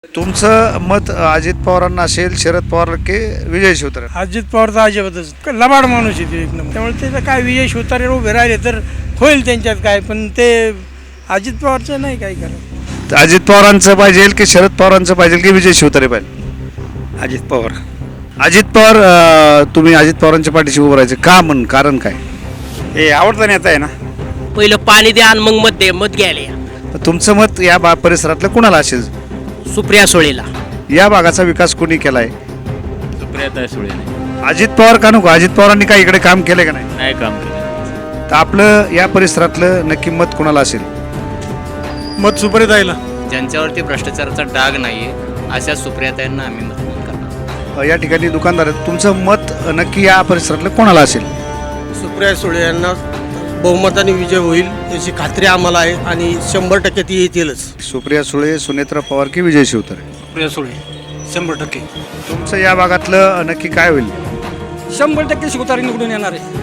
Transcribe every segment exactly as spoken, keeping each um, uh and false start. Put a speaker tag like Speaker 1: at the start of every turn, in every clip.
Speaker 1: तुमचं मत अजित पवारांना असेल, शरद पवार की विजय शिवतारे?
Speaker 2: अजित पवारचा अजिबातच लबाड माणूस आहे ते एक नंबर. त्यामुळे त्याचं काय विजय शिवतारे उभे राहिले तर होईल त्यांच्यात काय, पण ते अजित पवारचं नाही काय करत.
Speaker 1: तर अजित पवारांचं पाहिजे की शरद पवारांचं पाहिजे की विजय शिवतारे पाहिजे?
Speaker 3: अजित पवार.
Speaker 1: अजित पवार. अं, तुम्ही अजित पवारांच्या पाठीशी उभं राहायचं का? म्हण कारण काय?
Speaker 3: हे आवडता नेता आहे ना.
Speaker 4: पहिलं पाणी द्या आणि मग मत दे, मत घ्यायला या.
Speaker 1: तर तुमचं मत या बा परिसरातलं कुणाला असेल?
Speaker 4: सुप्रिया सुळेला.
Speaker 1: या भागाचा विकास कोणी केलाय?
Speaker 5: सुप्रियाताई सुळे.
Speaker 1: अजित पवार का नको? अजित पवारांनी काय इकडे काम केलं का नाही?
Speaker 5: नाही काम केलं.
Speaker 1: तर आपलं या परिसरातलं नक्की मत कुणाला असेल?
Speaker 2: मत सुप्रियाताईला.
Speaker 6: ज्यांच्यावरती भ्रष्टाचाराचा डाग नाहीये अशा सुप्रियाताईंना आम्ही मतदान करणार.
Speaker 1: अं, या ठिकाणी दुकानदार आहेत. तुमचं मत नक्की या परिसरातलं कोणाला असेल?
Speaker 7: सुप्रिया सुळे यांना बहुमताने विजय होईल याची खात्री आम्हाला आहे आणि शंभर टक्के ती येतीलच.
Speaker 1: सुप्रिया सुळे, सुनेत्रा पवार की विजय शिवतारे?
Speaker 2: सुप्रिया सुळे शंभर टक्के.
Speaker 1: तुमचं या भागातलं नक्की काय होईल?
Speaker 2: शंभर टक्के शिवतारे निवडून येणार आहे.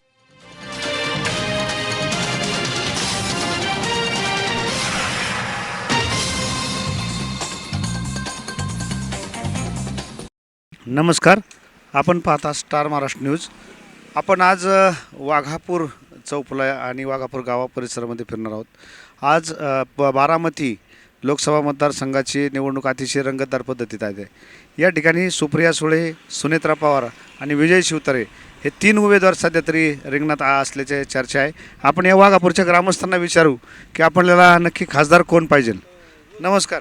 Speaker 1: नमस्कार, आपण पाहता स्टार महाराष्ट्र न्यूज. आपण आज अ, वाघापूर चौफुला आणि वाघापूर गावा परिसरामध्ये फिरणार आहोत. आज अ, ब- बारामती लोकसभा मतदारसंघाची निवडणूक अतिशय रंगतदार पद्धतीत आहे. या ठिकाणी सुप्रिया सुळे, सुनेत्रा पवार आणि विजय शिवतारे हे तीन उमेदवार सध्या तरी रिंगणात आ- असल्याची चर्चा आहे. आपण या वाघापूरच्या ग्रामस्थांना विचारू की आपल्याला नक्की खासदार कोण पाहिजे. नमस्कार.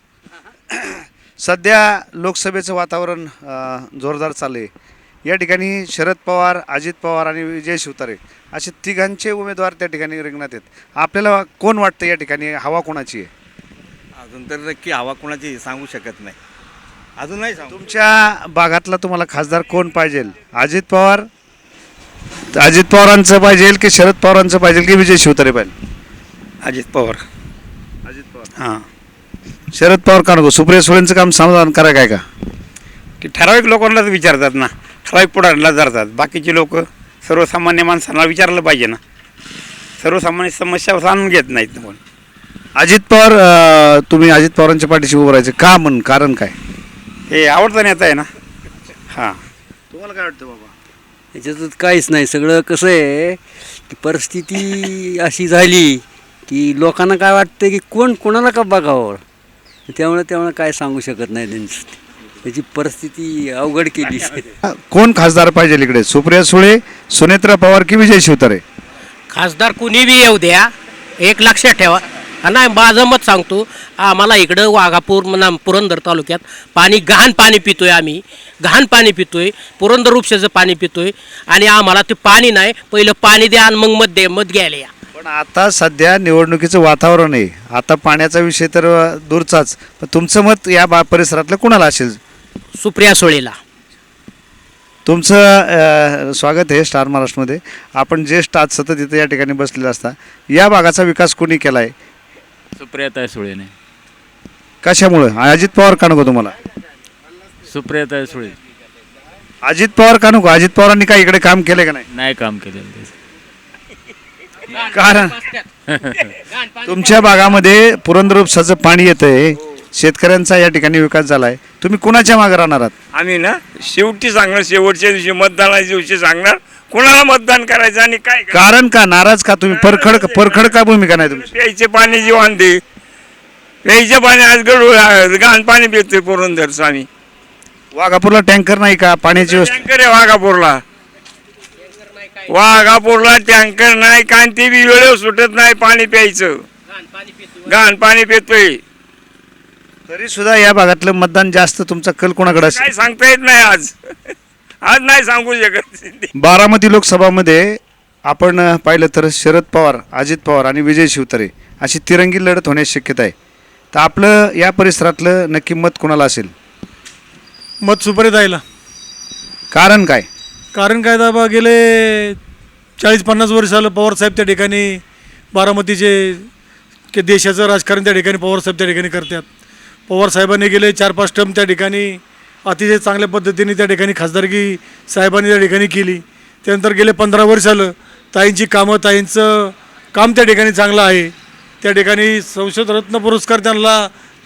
Speaker 1: सध्या लोकसभेचं वातावरण अ, जोरदार चालू आहे. या ठिकाणी शरद पवार, अजित पवार आणि विजय शिवतारे असे तिघांचे उमेदवार त्या ठिकाणी रिंगणात आहेत. आपल्याला कोण वाटतं या ठिकाणी हवा कोणाची आहे?
Speaker 3: अजून तर नक्की हवा कोणाची सांगू शकत नाही. अजून नाही सांगू.
Speaker 1: तुमच्या भागातला तुम्हाला खासदार कोण पाहिजे? अजित पवार, अजित पवारांचं पाहिजे की शरद पवारांचं पाहिजे की विजय शिवतारे पाहिजे?
Speaker 3: अजित पवार.
Speaker 1: अजित पवार.
Speaker 3: हां.
Speaker 1: शरद पवार का नको? सुप्रिया सुळेंचं काम समाधान करा काय का?
Speaker 3: ते ठराविक लोकांनाच विचारतात ना, ठराविक पुढाऱ्यांना धरतात. बाकीचे लोक सर्वसामान्य माणसांना विचारलं पाहिजे ना. सर्वसामान्य समस्या जाणून घेत नाहीत कोण.
Speaker 1: अजित पवार. अ, तुम्ही अजित पवारांच्या पाठीशी उभं राहायचं का? म्हण कारण काय?
Speaker 3: हे आवडता नेता आहे ना. हां.
Speaker 1: तुम्हाला काय वाटतं बाबा?
Speaker 8: याच्यातच काहीच नाही. सगळं कसं आहे की परिस्थिती अशी झाली की लोकांना काय वाटतं की कोण कोणाला का बघावं, त्यामुळे त्यामुळे काय सांगू शकत नाही. त्यांची त्याची परिस्थिती अवघड केली.
Speaker 1: कोण खासदार पाहिजे इकडे? सुप्रिया सुळे, सुनेत्रा पवार की विजय शिवतारे?
Speaker 4: खासदार कुणी बी येऊ द्या, एक लक्षात ठेवा. नाही, माझं मत सांगतो. आम्हाला इकडं वाघापूर म्हणा पुरंदर तालुक्यात पाणी घाण पाणी पितोय. आम्ही घाण पाणी पितोय, पुरंदर उपशाचं पाणी पितोय आणि आम्हाला ते पाणी नाही. पहिलं पाणी द्या आणि मग मत दे, मत घ्यायला या.
Speaker 1: पण आता सध्या निवडणुकीचं वातावरण आहे. आता पाण्याचा विषय तर अ, दूरचाच. पण तुमचं मत या बा परिसरातलं कुणाला असेल?
Speaker 4: सुप्रिया सुळेला.
Speaker 1: तुमचं अ, स्वागत आहे स्टार महाराष्ट्रमध्ये. आपण ज्येष्ठ आज सतत इथं या ठिकाणी बसलेले असता. या भागाचा विकास कोणी केला आहे?
Speaker 5: सुप्रियाताई सुळेने.
Speaker 1: कशामुळं? अजित पवार का नको तुम्हाला?
Speaker 5: सुप्रियाताई सुळे.
Speaker 1: अजित पवार का नको? अजित पवारांनी काय इकडे काम केलं का नाही?
Speaker 5: नाही काम केलेलं त्याचं.
Speaker 1: कारण तुमच्या भागामध्ये पुरंदर उपसाचं पाणी येतंय, शेतकऱ्यांचा या ठिकाणी विकास झालाय. तुम्ही कुणाच्या मागे राहणार आहात?
Speaker 3: आम्ही ना शेवटी सांगणार, शेवटच्या दिवशी मतदानाच्या दिवशी सांगणार कोणाला मतदान करायचं आणि काय करायचं.
Speaker 1: कारण का? नाराज का तुम्ही? परखड परखड का भूमिका नाही तुमची?
Speaker 3: प्यायचे पाणी जी वांदे, प्यायचे पाणी आज गडू घाण पाणी पितोय पुरंदर स्वामी.
Speaker 1: वाघापूरला टँकर नाही का पाण्याची व्यवस्था?
Speaker 3: टँकर आहे वाघापूरला. वाघापूरला टँकर नाही, कांती बी वेळेवर सुटत नाही पाणी प्यायचं. घाण पाणी पितोय.
Speaker 1: तरी सुद्धा या भागातलं मतदान जास्त तुमचा कल कोणाकडे असेल?
Speaker 3: काय सांगता येत नाही आज. आज नाही सांगू शकत.
Speaker 1: बारामती लोकसभामध्ये आपण अ, पाहिलं तर शरद पवार, अजित पवार आणि विजय शिवतारे अशी तिरंगी लढत होण्याची शक्यता आहे. तर आपलं या परिसरातलं नक्की मत कोणाला असेल?
Speaker 2: मत सुप्रियाताईला.
Speaker 1: कारण काय?
Speaker 2: कारण काय दाबा गेले चाळीस पन्नास वर्ष झालं पवारसाहेब त्या ठिकाणी बारामतीचे के देशाचं राजकारण त्या ठिकाणी पवारसाहेब त्या ठिकाणी करतात. पवारसाहेबांनी गेले चार पाच टर्म त्या ठिकाणी अतिशय चांगल्या पद्धतीने त्या ठिकाणी खासदारकी साहेबांनी त्या ठिकाणी केली. त्यानंतर गेले पंधरा वर्ष झालं ताईंची कामं, ताईंचं काम त्या ठिकाणी चांगलं आहे. त्या ठिकाणी संसद रत्न पुरस्कार त्यांना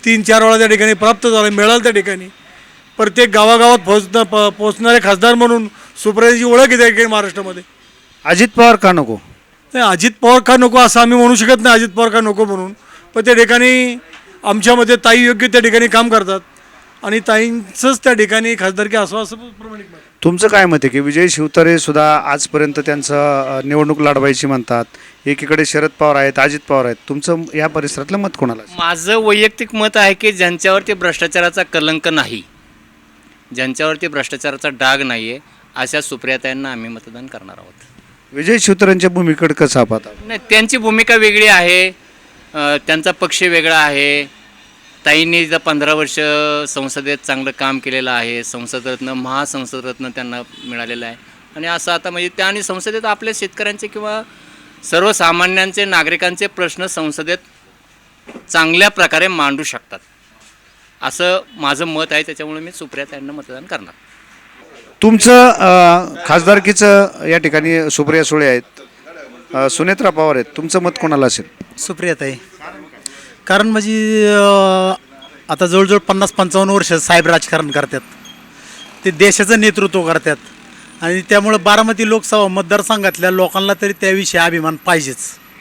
Speaker 2: तीन चार वेळा त्या ठिकाणी प्राप्त झालं, मिळालं त्या ठिकाणी. प्रत्येक गावागावात पोहोचणं प पोचणारे खासदार म्हणून सुप्रियाची ओळख आहे त्या ठिकाणी महाराष्ट्रामध्ये.
Speaker 1: अजित पवार का नको?
Speaker 2: नाही, अजित पवार का नको असं आम्ही म्हणू शकत नाही, अजित पवार का नको म्हणून. पण त्या ठिकाणी आमच्यामध्ये ताई योग्य त्या ठिकाणी काम करतात आणि ताईंचंच त्या ठिकाणी खासदारकी असावं असं प्रमाणित नाही.
Speaker 1: तुमचं काय मत आहे की विजय शिवतारे सुद्धा आजपर्यंत त्यांचं अ, निवडणूक लढवायची म्हणतात, एकीकडे शरद पवार आहेत, अजित पवार आहेत, तुमचं या परिसरातलं मत कोणाला असेल?
Speaker 6: माझं वैयक्तिक मत आहे की ज्यांच्यावरती भ्रष्टाचाराचा कलंक नाही, ज्यांच्यावरती भ्रष्टाचाराचा डाग नाही आहे, अशा सुप्रियाताईंना आम्ही मतदान करणार आहोत.
Speaker 1: विजय शिवतारेंच्या भूमिकेकडे कसा पाहता?
Speaker 6: नाही, त्यांची भूमिका वेगळी आहे, अ, त्यांचा पक्ष वेगळा आहे. ताईंनी जर पंधरा वर्ष संसदेत चांगलं काम केलेलं आहे, संसदरत्न महासंसदरत्न त्यांना मिळालेलं आहे. आणि असं आता म्हणजे त्या आणि संसदेत आपल्या शेतकऱ्यांचे किंवा सर्वसामान्यांचे नागरिकांचे प्रश्न संसदेत चांगल्या प्रकारे मांडू शकतात, असं माझं मत आहे. त्याच्यामुळे मी सुप्रियाताईंना मतदान करणार.
Speaker 1: तुमचं अ, खासदारकीचं या ठिकाणी सुप्रिया सुळे आहेत, अ, सुनेत्रा पवार आहेत, तुमचं मत कोणाला असेल?
Speaker 9: सुप्रियाताई. कारण म्हणजे अं, आता जवळजवळ पन्नास पंचावन्न वर्ष साहेब राजकारण करतात, ते देशाचं नेतृत्व करतात आणि त्यामुळं बारामती लोकसभा मतदारसंघातल्या लोकांना तरी त्याविषयी अभिमान पाहिजेच.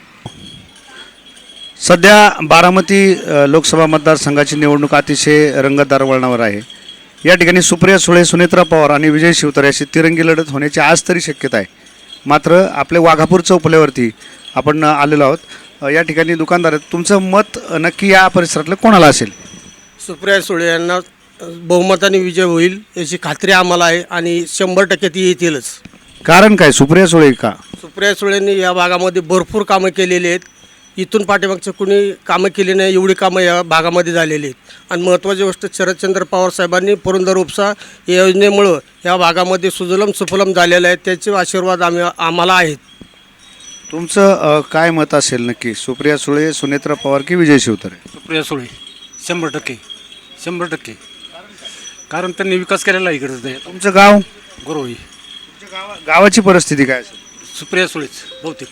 Speaker 1: सध्या बारामती अ, लोकसभा मतदारसंघाची निवडणूक अतिशय रंगतदार वळणावर आहे. या ठिकाणी सुप्रिया सुळे, सुनेत्रा पवार आणि विजय शिवतारे अशी तिरंगी लढत होण्याची आज तरी शक्यता आहे. मात्र आपले वाघापूर चौफुल्यावरती आपण आलेलो आहोत. अ, या ठिकाणी दुकानदार आहेत. तुमचं मत नक्की या परिसरातलं कोणाला असेल?
Speaker 7: सुप्रिया सुळे यांना बहुमताने विजय होईल याची खात्री आम्हाला आहे आणि शंभर टक्के ती येतीलच.
Speaker 1: कारण काय, सुप्रिया सुळे का?
Speaker 7: सुप्रिया सुळेंनी या भागामध्ये भरपूर कामं केलेली आहेत. इथून पाठीमागचं कुणी कामं केली नाही एवढी कामं या भागामध्ये झालेली आहेत. आणि महत्त्वाची गोष्ट, शरदचंद्र पवार साहेबांनी पुरंदर उपसा या योजनेमुळं या भागामध्ये सुजलम सुफलम झालेलं आहे, त्याचे आशीर्वाद आम्ही आम्हाला आहेत.
Speaker 1: तुमचं अ, काय मत असेल नक्की, सुप्रिया सुळे, सुनेत्रा पवार की विजय शिवतारे?
Speaker 2: सुप्रिया सुळे शंभर टक्के शंभर टक्के कारण त्यांनी विकास केलेला आहे इकडे.
Speaker 1: तुमचं गाव?
Speaker 2: गुरुवाई.
Speaker 1: गावाची परिस्थिती काय असेल?
Speaker 2: सुप्रिया सुळेच बहुतेक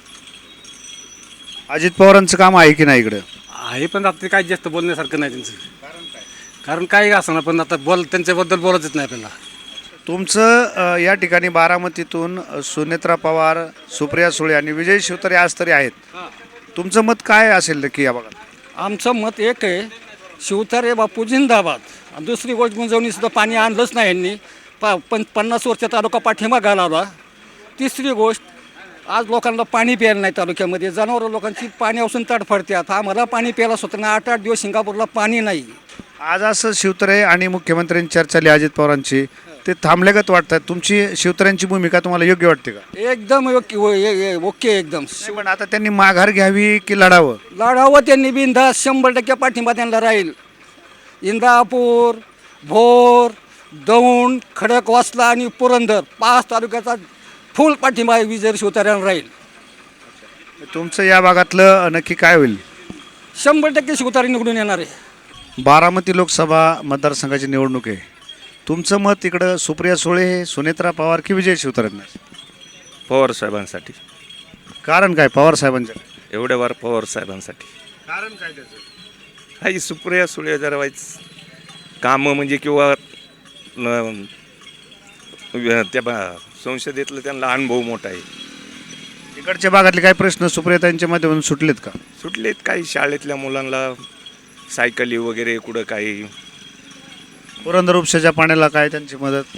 Speaker 1: अजित पवारांचं काम आहे की नाही इकडं?
Speaker 2: आहे, पण आता ते काय जास्त बोलण्यासारखं नाही त्यांचं. कारण काय असं ना, पण आता बोल त्यांच्याबद्दल बोलायचंच नाही आपल्याला.
Speaker 1: तुमचं अ, या ठिकाणी बारामतीतून अ, सुनेत्रा पवार, सुप्रिया सुळे आणि विजय शिवतारे आज तरी आहेत. तुमचं मत काय असेल नक्की या भागात?
Speaker 10: आमचं मत एक आहे, शिवतारे बापू जिंदाबाद. आणि दुसरी गोष्ट गुंजवणीसुद्धा पाणी आणलंच नाही यांनी, पा पण पन्नास वर्ष तालुका पाठीमागा लावला. तिसरी गोष्ट, आज लोकांना पाणी प्यायला नाही तालुक्यामध्ये, जनावरं लोकांची पाण्यापासून तडफडतात. आम्हाला पाणी प्यायला स्वतःना आठ आठ दिवस सिंगापूरला पाणी नाही.
Speaker 1: आज असं शिवतारे आणि मुख्यमंत्र्यांची चर्चा झाली अजित पवारांची, ते थांबल्यागत वाटतात. तुमची शिवतारेंची भूमिका तुम्हाला योग्य वाटते का?
Speaker 10: एकदम ओके ओके एकदम.
Speaker 1: पण आता त्यांनी माघार घ्यावी की लढावं?
Speaker 10: लढावं त्यांनी बिनधास्त, शंभर टक्के पाठिंबा त्यांना राहील. इंदापूर, भोर, दौंड, खडकवासला आणि पुरंदर पाच तालुक्याचा फुल पाठिंबा विजय शिवतारेंना राहील.
Speaker 1: तुमचं या भागातलं नक्की काय होईल?
Speaker 10: शंभर टक्के शिवतारे निवडून येणार आहे.
Speaker 1: बारामती लोकसभा मतदारसंघाची निवडणूक आहे. तुमचं मत इकडं सुप्रिया सुळे, सुनेत्रा पवार की विजय शिवतारेंना?
Speaker 11: पवार साहेबांसाठी.
Speaker 1: कारण काय पवार साहेबांच्या?
Speaker 11: एवढ्या वार पवार साहेबांसाठी.
Speaker 1: कारण काय त्याचं?
Speaker 11: काही सुप्रिया सुळे जरा वाईच कामं म्हणजे किंवा न- त्या बा- संसदेतलं त्यांना अनुभव मोठा आहे.
Speaker 1: इकडच्या भागातले काही प्रश्न सुप्रियातांच्या माध्यमातून सुटलेत का?
Speaker 11: सुटलेत काही शाळेतल्या मुलांना सायकली वगैरे कुठं काही.
Speaker 1: पुरंदर उपशाच्या पाण्याला काय त्यांची मदत?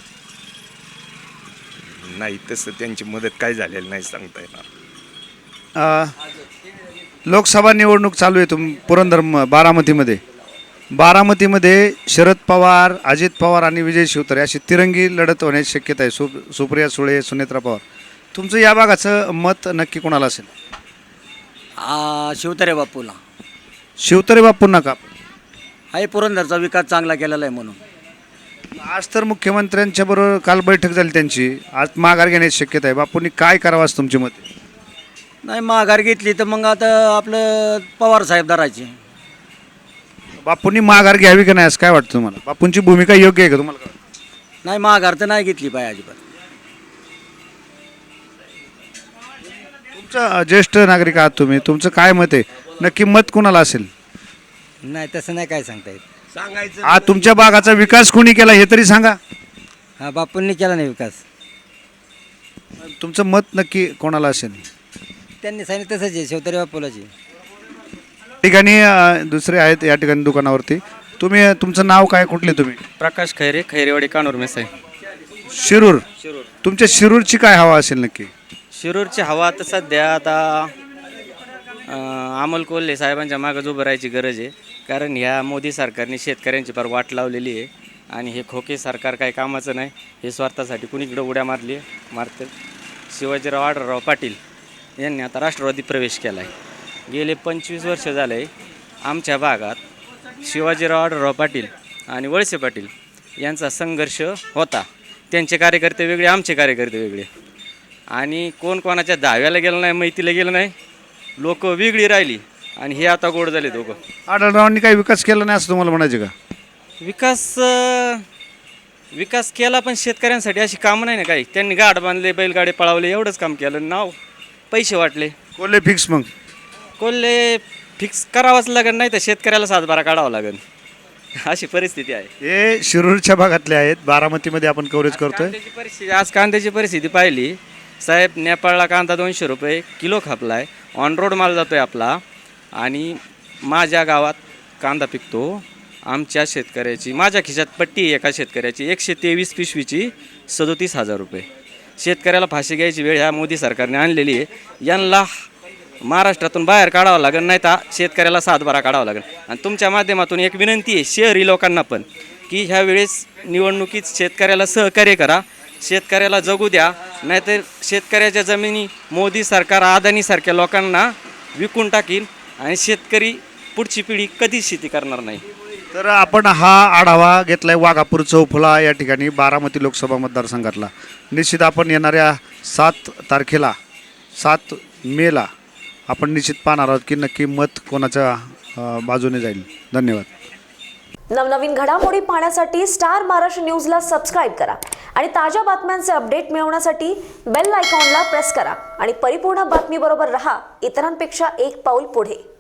Speaker 11: नाही, तसं त्यांची मदत काय झालेली नाही सांगता येणार.
Speaker 1: अ, लोकसभा निवडणूक चालू आहे तुम पुरंदर म- बारामतीमध्ये. बारामतीमध्ये शरद पवार, अजित पवार आणि विजय शिवतारे अशी तिरंगी लढत होण्याची शक्यता आहे. सु सुप्रिया सुळे, सुनेत्रा पवार. तुमचं या भागाचं मत नक्की कोणाला असेल?
Speaker 8: शिवतारे बापूला.
Speaker 1: शिवतारे बापूंना का?
Speaker 8: आहे, पुरंदरचा विकास चांगला केलेला आहे म्हणून.
Speaker 1: आज तर मुख्यमंत्र्यांच्या बरोबर काल बैठक झाली त्यांची, आज माघार घेण्याची शक्यता आहे. बापूंनी काय करावं असं तुमचे मत?
Speaker 8: नाही, माघार घेतली तर मग आता आपलं पवार साहेब धरायचे.
Speaker 1: बापूंनी माघार घ्यावी का नाही असं काय वाटतं तुम्हाला? बापूंची भूमिका योग्य आहे का तुम्हाला?
Speaker 8: नाही, माघार तर नाही घेतली पाहिजे अजिबात.
Speaker 1: तुमचं ज्येष्ठ नागरिक आहात तुम्ही, तुमचं काय मत आहे नक्की? मत कोणाला असेल?
Speaker 8: नाही तसं नाही काय सांगता येत.
Speaker 11: सांगायचं
Speaker 1: आ तुमच्या भागाचा विकास कोणी केला हे तरी सांगा.
Speaker 8: हा बापूंनी केला नाही विकास.
Speaker 1: तुमचं मत नक्की कोणाला असेल?
Speaker 8: त्यांनी सांगितलं तसंच आहे शिवतारे बापूलाची.
Speaker 1: ठिकाणी अ, दुसरे आहेत या ठिकाणी दुकानावरती. तुम्ही तुमचं नाव काय, कुठले तुम्ही?
Speaker 6: प्रकाश खैरे, खैरेवाडी कानूर मेसाई.
Speaker 1: शिरूर. तुमच्या शिरूरची काय हवा असेल नक्की?
Speaker 6: शिरूरची हवा तर सध्या आता अं, अमोल कोल्हे साहेबांच्या मागं उभं राहायची गरज आहे. कारण ह्या मोदी सरकारने शेतकऱ्यांची फार वाट लावलेली आहे आणि हे खोके सरकार काही कामाचं नाही. हे स्वार्थासाठी कुणीकडं उड्या मारली मारतात. शिवाजीराव आढळराव पाटील यांनी आता राष्ट्रवादी प्रवेश केला आहे. गेले पंचवीस वर्ष झाले आमच्या भागात शिवाजीराव आढळराव पाटील आणि वळसे पाटील यांचा संघर्ष होता. त्यांचे कार्यकर्ते वेगळे, आमचे कार्यकर्ते वेगळे आणि कोण कोणाच्या दहाव्याला गेलं नाही, मैतीला गेलं नाही, लोक वेगळी राहिली आणि हे आता गोड झाले दोघं.
Speaker 1: आढळरावांनी काही विकास केला नाही असं तुम्हाला म्हणायचे का?
Speaker 6: विकास अं, विकास केला पण शेतकऱ्यांसाठी अशी कामं नाही ना काही. त्यांनी गाड बांधले, बैलगाडे पळावले, एवढंच काम केलं. नाव पैसे वाटले.
Speaker 1: कोल्हे फिक्स मग?
Speaker 6: कोल्हे फिक्स करावाच लागेल, नाही तर शेतकऱ्याला सातबारा काढावा लागेल. अशी परिस्थिती आहे.
Speaker 1: हे शिरूरच्या भागातले आहेत. बारामतीमध्ये आपण कव्हरेज करतोय.
Speaker 6: कांद्याची परिस्थिती, आज कांद्याची परिस्थिती पाहिली साहेब, नेपाळला कांदा दोनशे रुपये किलो खापला आहे. ऑन रोड माल जातो आहे आपला आणि माझ्या गावात कांदा पिकतो. आमच्या शेतकऱ्याची, माझ्या खिशात पट्टी आहे एका शेतकऱ्याची, एकशे तेवीस पिशवीची सदोतीस हजार रुपये. शेतकऱ्याला फाशी घ्यायची वेळ ह्या मोदी सरकारने आणलेली आहे. यांना महाराष्ट्रातून बाहेर काढावं लागेल, नाही तर शेतकऱ्याला सातबारा काढावा लागेल. आणि तुमच्या माध्यमातून एक विनंती आहे शहरी लोकांना पण की ह्या वेळेस निवडणुकीत शेतकऱ्याला सहकार्य करा, शेतकऱ्याला जगू द्या, नाहीतर शेतकऱ्याच्या जमिनी मोदी सरकार अदानीसारख्या लोकांना विकून टाकीन आणि शेतकरी पुढची पिढी कधीच शेती करणार नाही.
Speaker 1: तर आपण हा आढावा घेतलाय वाघापूर चौफुला या ठिकाणी बारामती लोकसभा मतदारसंघातला. निश्चित आपण येणाऱ्या सात तारखेला सात मेला आपण निश्चित पाहणार आहोत की नक्की मत कोणाच्या अ, बाजूने जाईल. धन्यवाद.
Speaker 12: नवनवीन घडामोडी पाहण्यासाठी स्टार महाराष्ट्र न्यूजला सबस्क्राईब करा आणि ताज्या बातम्यांचे अपडेट मिळवण्यासाठी बेल आयकॉनला प्रेस करा आणि परिपूर्ण बातमीबरोबर रहा, इतरांपेक्षा एक पाऊल पुढे.